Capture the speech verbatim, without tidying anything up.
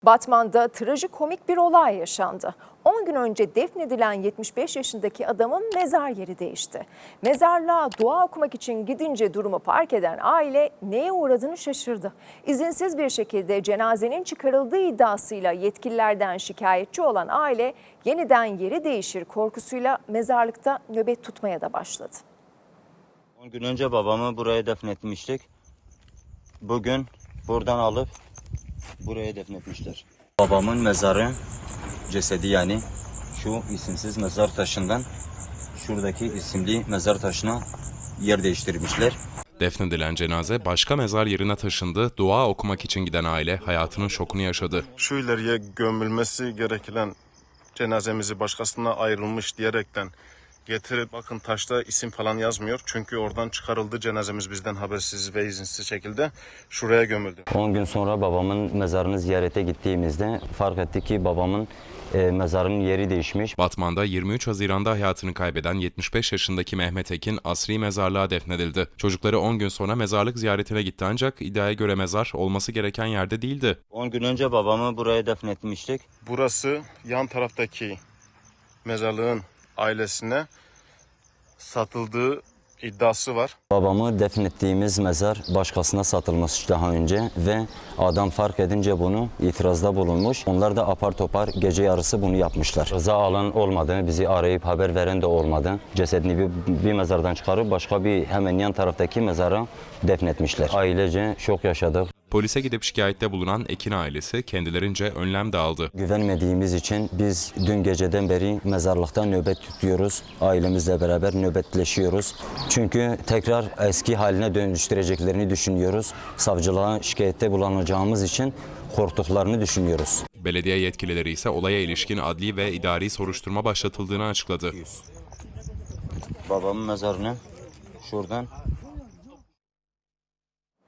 Batman'da trajikomik bir olay yaşandı. on gün önce defnedilen yetmiş beş yaşındaki adamın mezar yeri değişti. Mezarlığa dua okumak için gidince durumu fark eden aile neye uğradığını şaşırdı. İzinsiz bir şekilde cenazenin çıkarıldığı iddiasıyla yetkililerden şikayetçi olan aile yeniden yeri değişir korkusuyla mezarlıkta nöbet tutmaya da başladı. on gün önce babamı buraya defnetmiştik. Bugün buradan alıp buraya defnetmişler. Babamın mezarı, cesedi yani şu isimsiz mezar taşından şuradaki isimli mezar taşına yer değiştirmişler. Defnedilen cenaze başka mezar yerine taşındı. Dua okumak için giden aile hayatının şokunu yaşadı. Şu ileriye gömülmesi gereken cenazemizi başkasına ayrılmış diyerekten getirip bakın taşta isim falan yazmıyor. Çünkü oradan çıkarıldı cenazemiz bizden habersiz ve izinsiz şekilde şuraya gömüldü. on gün sonra babamın mezarını ziyarete gittiğimizde fark ettik ki babamın e, mezarının yeri değişmiş. Batman'da yirmi üç Haziran'da hayatını kaybeden yetmiş beş yaşındaki Mehmet Ekin asri mezarlığa defnedildi. Çocukları on gün sonra mezarlık ziyaretine gitti ancak iddiaya göre mezar olması gereken yerde değildi. on gün önce babamı buraya defnetmiştik. Burası yan taraftaki mezarlığın ailesine satıldığı iddiası var. Babamı defnettiğimiz mezar başkasına satılmış daha önce ve adam fark edince bunu itirazda bulunmuş. Onlar da apar topar gece yarısı bunu yapmışlar. Rıza alan olmadı, bizi arayıp haber veren de olmadı. Cesedini bir, bir mezardan çıkarıp başka bir hemen yan taraftaki mezara defnetmişler. Ailece şok yaşadık. Polise gidip şikayette bulunan Ekin ailesi kendilerince önlem de aldı. Güvenmediğimiz için biz dün geceden beri mezarlıkta nöbet tutuyoruz. Ailemizle beraber nöbetleşiyoruz. Çünkü tekrar eski haline dönüştüreceklerini düşünüyoruz. Savcılığa şikayette bulunacağımız için korktuklarını düşünüyoruz. Belediye yetkilileri ise olaya ilişkin adli ve idari soruşturma başlatıldığını açıkladı. Babamın mezarını şuradan